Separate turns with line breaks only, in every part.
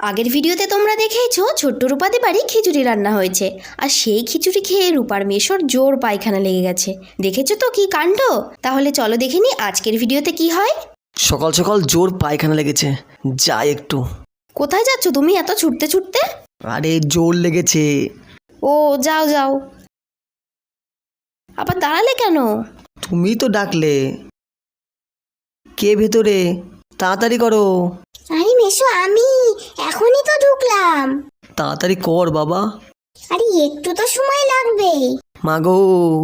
আগের ভিডিওতে তোমরা দেখেইছো ছোট্ট রূপাদের বাড়ি খিচুড়ি রান্না হয়েছে, আর সেই খিচুড়ি খেয়ে রূপার মেশোর জোর পায়খানা লেগে গেছে। দেখেছো তো কি কাণ্ড। তাহলে চলো দেখে নি আজকের ভিডিওতে কি হয়।
সকাল সকাল জোর পায়খানা লেগেছে, যাই একটু।
কোথায় যাচ্ছ তুমি এত ছুটতে ছুটতে?
আরে জোর লেগেছে।
ও যাও যাও। আবার দাঁড়ালে কেন?
তুমি তো ডাকলে। কে ভেতরে? তাড়াতাড়ি করো।
আরে মেশো আমি এখনই তো ঢুকলাম।
তাড়াতাড়ি কর বাবা।
আরে একটু তো সময় লাগবে।
মাগো।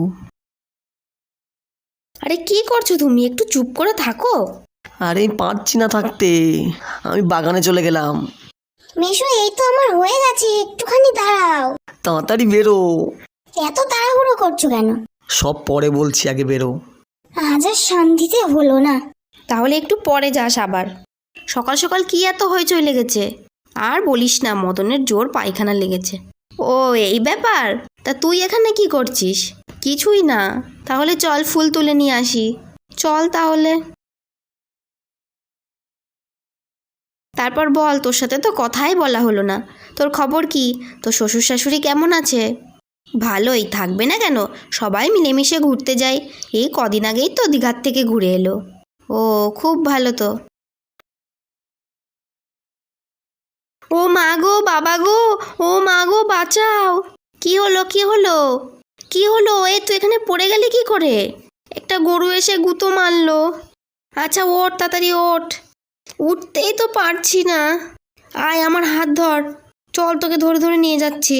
আরে কি করছো তুমি, একটু চুপ করে থাকো।
আরে পারছি না থাকতে, আমি বাগানে চলে গেলাম।
মেশো এই তো আমার হয়ে গেছে, একটুখানি দাঁড়াও।
তাড়াতাড়ি বেরো।
এত তাড়াহুড়ো করছো কেন?
সব পরে বলছি, আগে বেরো।
আজ আর শান্তিতে হলো না।
তাহলে একটু পরে যাস আবার। সকাল সকাল কি এত হইচই লেগেছে? আর বলিস না, মদনের জোর পায়খানা লেগেছে। ও এই ব্যাপার। তা তুই এখানে কি করছিস? কিছুই না। তাহলে চল ফুল তুলে নিয়ে আসি। চল তাহলে। তারপর বল, তোর সাথে তো কথাই বলা হলো না। তোর খবর কি? তোর শ্বশুর শাশুড়ি কেমন আছে? ভালোই থাকবে না কেন, সবাই মিলেমিশে ঘুরতে যায়। এই কদিন আগেই তো দীঘার থেকে ঘুরে এলো। ও খুব ভালো তো। ও মা গো, বাবা গো, ও মা গো বাঁচাও। কি হলো কি হলো কি হলো? এ তুই এখানে পড়ে গেলি কি করে? একটা গরু এসে গুঁতো মারলো। আচ্ছা ওঠ, তাড়াতাড়ি ওঠ। উঠতেই তো পারছি না। আয় আমার হাত ধর, চল তোকে ধরে ধরে নিয়ে যাচ্ছি।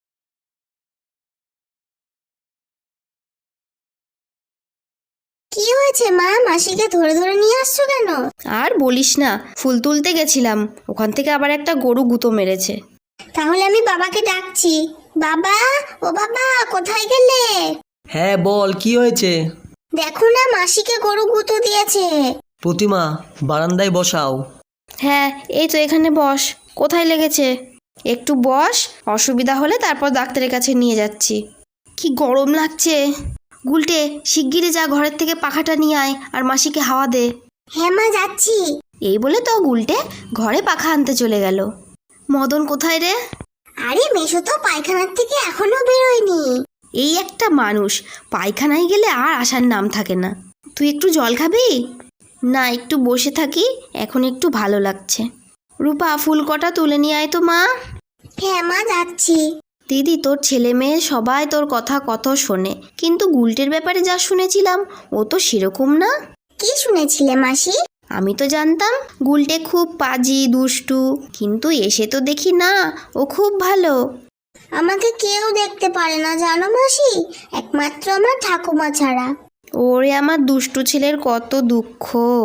কি হয়েছে মা, মাসিকে ধরে ধরে নিয়ে আসছো কেন?
আর বলিস না, ফুল তুলতে গেছিলাম, ওখান থেকে আবার একটা গরু গুঁতো মেরেছে।
তাহলে আমি বাবাকে ডাকছি। বাবা, ও বাবা, কোথায় গেলে?
হ্যাঁ বল, কি হয়েছে?
দেখো না, মাসিকে গরু গুঁতো দিয়েছে।
প্রতিমা, বারান্দায় বসাও।
হ্যাঁ এই তো এখানে বস। কোথায় লেগেছে? একটু বস, অসুবিধা হলে তারপর ডাক্তারের কাছে নিয়ে যাচ্ছি। কি গরম লাগছে। গুলটে শিগগিরই যা, ঘরের থেকে পাখাটা নিয়ে আয় আর মাসিকে হাওয়া দে।
হ্যাঁ মা, যাচ্ছি।
এই বলে তো গুলটে ঘরে পাখা আনতে চলে গেল। মদন কোথায় রে?
আরে মেশো তো পায়খানার থেকে এখনো বেরোয়নি।
এই একটা মানুষ, পায়খানায় গেলে আর আসার নাম থাকে না। তুই একটু জল খাবি? না, একটু বসে থাকি, এখন একটু ভালো লাগছে। রূপা ফুল কটা তুলে নিয়ে আয় তো মা।
হ্যাঁ মা, যাচ্ছি।
দিদি, তোর ছেলে মেয়ে সবাই তোর কথা কত শোনে, কিন্তু গুলটের ব্যাপারে যা শুনেছিলাম ও তো সেরকম না।
কি শুনেছিলে মাসি?
আমি তো জানতাম গুলটে খুব পাজি দুষ্টু, কিন্তু এসে তো দেখি না, ও খুব ভালো।
আমাকে কেউ দেখতে পারে না জানো মাসি, একমাত্র আমার ঠাকুমা ছাড়া।
ওরে আমার দুষ্টু ছেলের কত দুঃখ।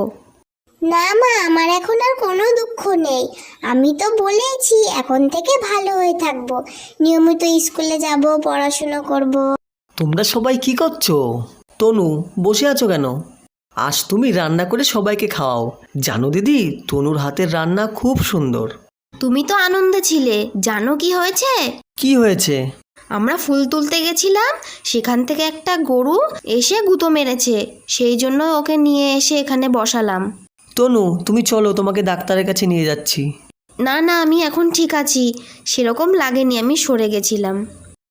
না মা, আমার এখন আর কোনো দুঃখ নেই। আমি তো বলেইছি এখন থেকে ভালো হয়ে থাকবো, নিয়মিত স্কুলে যাব, পড়াশুনো করব।
তোমরা সবাই কি করছো? তনু, বসে আছো কেন? আজ তুমি রান্না করে সবাইকে খাওয়াও। জানো দিদি, তনুর হাতের রান্না খুব সুন্দর।
তুমি তো আনন্দে ছিলে, জানো কি হয়েছে?
কি হয়েছে?
আমরা ফুল তুলতে গেছিলাম, সেখান থেকে একটা গরু এসে গুঁতো মেরেছে, সেই জন্য ওকে নিয়ে এসে এখানে বসালাম।
তনু, তুমি চলো, তোমাকে ডাক্তারের কাছে নিয়ে যাচ্ছি।
না না, আমি এখন ঠিক আছি, সেরকম লাগেনি, আমি সরে গেছিলাম।